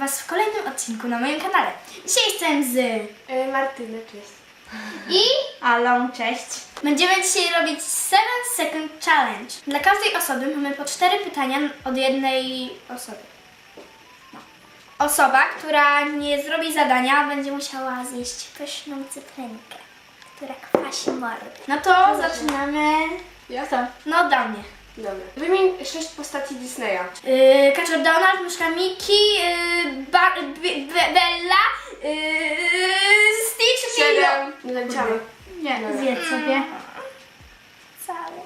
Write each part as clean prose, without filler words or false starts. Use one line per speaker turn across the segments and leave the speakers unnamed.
Was w kolejnym odcinku na moim kanale. Dzisiaj jestem z
Martyna, cześć.
i Alą, cześć. Będziemy dzisiaj robić 7 Second Challenge. Dla każdej osoby mamy po 4 pytania od jednej osoby. No. Osoba, która nie zrobi zadania, będzie musiała zjeść pyszną cytrynkę, która kwasi mordę. No to zaczynamy.
Ja?
Kto? No do mnie.
Dobra. Wymień 6 postaci Disneya.
Kaczor Donald, myszka Miki, Bella, Stitch,
7. Nie zaliczamy.
Nie,
Dobra.
zjedz sobie. Całe.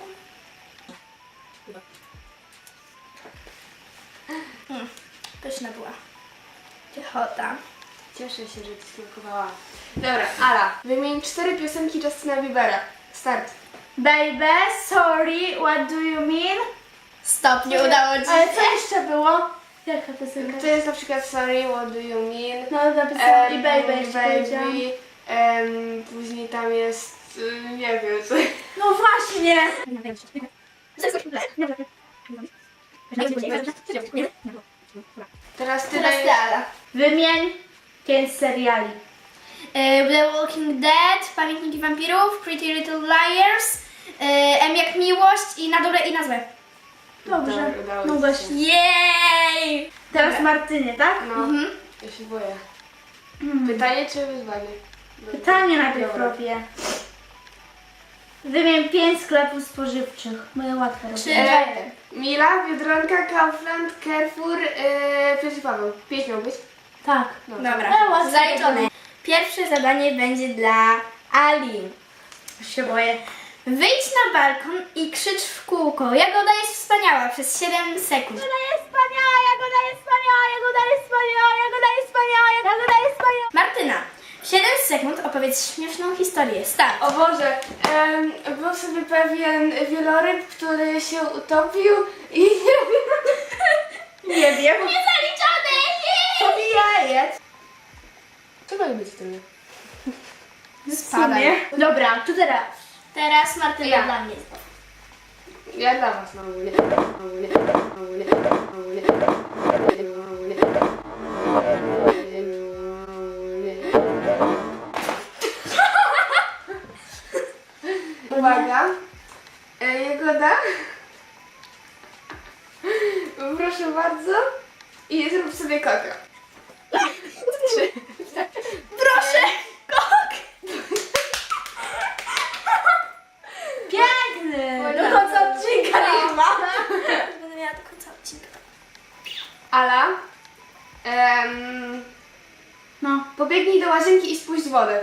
Pyszna była. Piechota.
Cieszę się, że ci smakowała. Dobra, Ala. Wymień 4 piosenki Justina Biebera. Start.
Baby, sorry, what do you mean?
Stop, nie udało ci
Ale
się.
co jeszcze było? Jaka piosenka?
To jest na przykład Sorry, what do you mean?
No napisałam i baby jeszcze
baby.
powiedziałam.
Później tam jest, nie wiem co.
No właśnie!
Teraz ty
Teraz
dajesz.
ty, Ala.
Wymień 5 seriali.
The Walking Dead, Pamiętniki Wampirów, Pretty Little Liars, M jak Miłość i Na dobre i na złe.
Dobrze.
Dobra, udało
No
ci
właśnie.
się.
Jej!
Teraz Martynie, tak?
No,
Mhm.
ja się boję. Pytanie czy wyzwanie?
Pytanie najpierw
Dobra.
robię. Wymień 5 sklepów spożywczych. Moje łatwe robię.
3,
Mila, Biedronka, Kaufland, Carrefour, Piotr Paweł. 5 miał być?
Tak.
Dobra,
łatwe
zaliczone. Pierwsze zadanie będzie dla Ali.
Już się boję.
Wyjdź na balkon i krzycz w kółko. Jagoda jest wspaniała przez 7 sekund.
Jagoda jest wspaniała, jagoda jest wspaniała, jagoda jest wspaniała, jagoda jest wspaniała, jagoda jest wspaniała.
Martyna, w 7 sekund opowiedz śmieszną historię. Start.
O Boże, był sobie pewien wieloryb, który się utopił i
Nie wiem.
Niezaliczone!
To mi jajec.
co ma być w tym?
Spadaj.
Dobra, to teraz.
Teraz Martyna
Ja.
dla mnie.
Ja dla was na ogólnie. Uwaga. Jagoda. Proszę bardzo. I zrób sobie koka. 3.
Proszę! Kok!
Piękny.
Oj,
Do
tak.
końca odcinka nie ma.
Będę miała do końca odcinka.
Ala.
No.
Pobiegnij do łazienki i spuść wodę.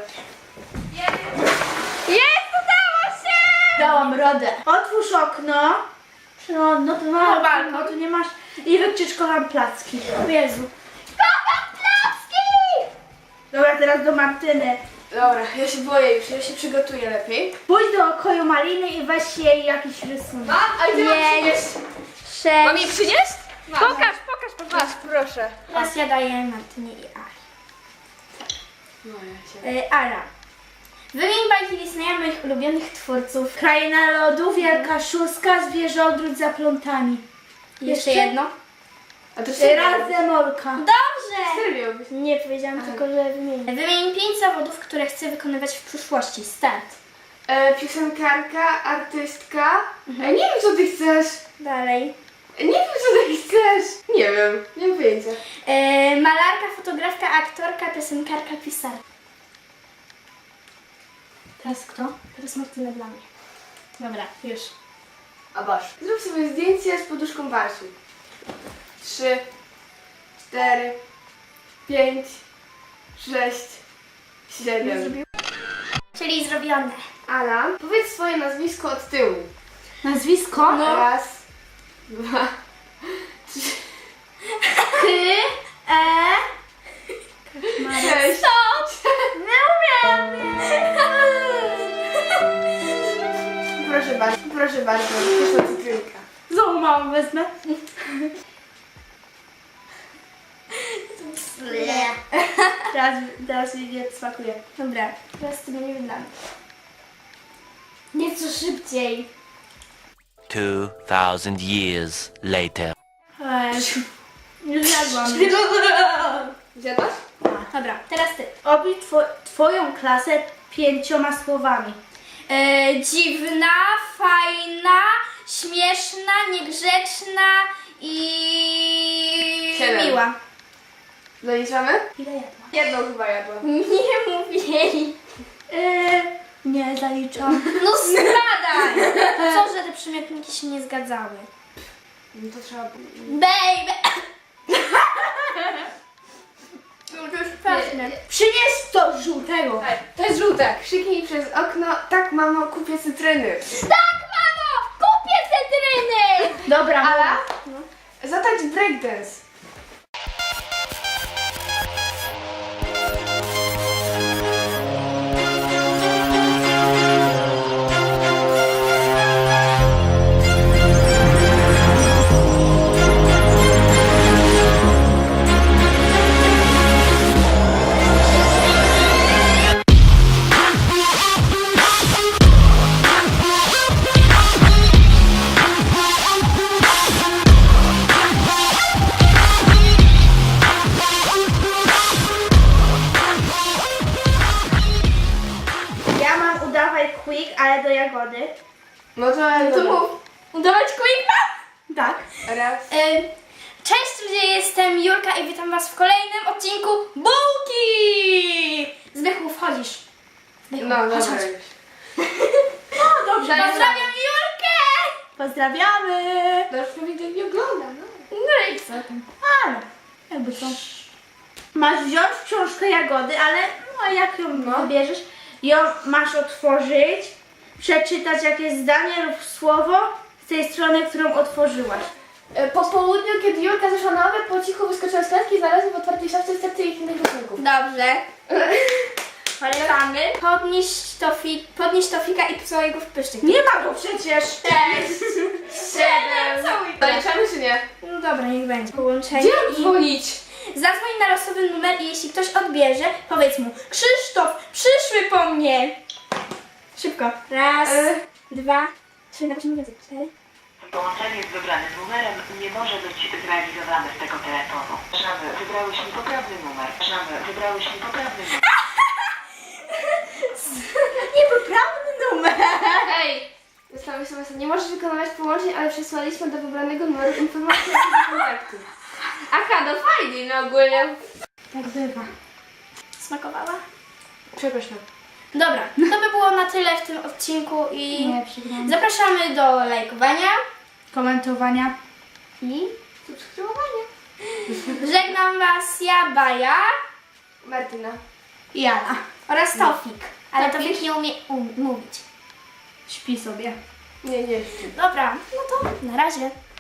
Jest! Udało się!
Dałam radę. Otwórz okno. No to ma
balkon.
no tu nie masz. I wykrzycz kocham placki. O Jezu.
Kocham placki!
Dobra, teraz do Martyny.
Dobra, ja się boję już, ja się przygotuję lepiej.
Pójdź do pokoju Maliny i weź jej jakiś rysunek.
A gdzie mam
Jej.
przynieść?
6.
Mam jej przynieść? Pokaż. Masz, proszę.
Teraz ja daję Martynie i Ali.
No ja się...
Ala. Wymień bajki Disneya moich ulubionych twórców.
Kraina lodu, wielka szóstka, zwierzę odwrót za plątami.
Jeszcze
Jeszcze?
jedno.
A to cztery.
Razem Olka.
Dobrze!
Cztery miały być.
Nie powiedziałam tylko, że wymienię. Wymień 5 zawodów, które chcę wykonywać w przyszłości. Start.
Piosenkarka, artystka. Nie wiem co ty chcesz.
Dalej.
Nie wiem co ty chcesz. Nie wiem, nie mam pojęcia.
Malarka, fotografka, aktorka, piosenkarka, pisarka.
Teraz kto?
Teraz Martyna dla mnie. Dobra, już.
A basz. Zrób sobie zdjęcie z poduszką Basi. 3, 4, 5, 6, 7.
Czyli zrobione.
Ala, powiedz swoje nazwisko od tyłu.
Nazwisko?
No.
Raz, 2, 3,
E.
6.
Nie umiem.
Proszę bardzo, proszę cytrynka.
Znowu małą wezmę. Teraz mi nie smakuje.
Dobra, teraz ty będzie dla mnie. Nieco szybciej.
2000 years later.
Już jadłam.
Zjadłaś?
Dobra, teraz ty.
Opisz twoją klasę 5 słowami.
Dziwna, fajna, śmieszna, niegrzeczna i
7.
miła.
Zaliczamy?
Ile jadłam?
Jedną chyba jadłam.
Nie mówili.
Nie zaliczam.
No zgadaj! Co, że te przymiotniki się nie zgadzały?
No to trzeba...
Baby! No to jest pewne.
Przynieś to żółtego.
To jest żółte. Krzyknij przez okno. Tak, mamo, kupię cytryny.
Tak, mamo! Kupię cytryny!
Dobra,
Ala? Zatacz breakdance.
ja mam udawaj quick, ale do jagody.
No to mów.
Udawać quicka?
Tak.
Raz.
Cześć ludzie, jestem Julka i witam was w kolejnym odcinku Bułki! Zbychu, wchodzisz. Zbychu,
No,
chodź,
dobra
chodź.
już.
No dobrze.
Pozdrawiam Julkę!
Pozdrawiamy.
No już prawie go nie ogląda, no.
No i co tam?
Ale, jakby co. Masz wziąć książkę jagody, ale no jak ją wybierzesz, ją masz otworzyć, przeczytać jakieś zdanie lub słowo z tej strony, którą otworzyłaś.
Po południu, kiedy Julka zeszła na obiad, po cichu wyskoczyła z klatki i znalazła w otwartej szafce serce ich innych rysunków.
Dobrze. Polecamy. Podnieś Tofika i swojego w pyszczek.
Nie ma go przecież.
7. Zaliczamy czy nie?
No dobra, niech będzie. Połączenie
Gdzie mam dzwonić?
Zadzwoń na losowy numer i jeśli ktoś odbierze, powiedz mu: Krzysztof, przyszły po mnie! Szybko. Raz, dwa, trzy, na więcej. 4.
Połączenie z wybranym numerem nie może być zrealizowane z tego telefonu. Przepraszamy, wybrałeś niepoprawny numer. Przepraszamy, wybrałeś niepoprawny numer.
Niepoprawny numer.
Ej! Zostały sobie, nie możesz wykonywać połączeń, ale przesłaliśmy do wybranego numeru informację o kontaktu. Aha, no fajnie, no ogólnie.
Tak bywa.
Smakowała?
Przepraszam.
Dobra, to by było na tyle w tym odcinku i
Nie, przegrałam.
zapraszamy do lajkowania
Komentowania.
i
Subskrybowanie.
żegnam was ja, Baja
Martyna.
I Jana.
oraz Tofik. Ale
Tofik?
Tofik nie umie mówić.
Śpi sobie.
Nie.
Dobra, no to na razie.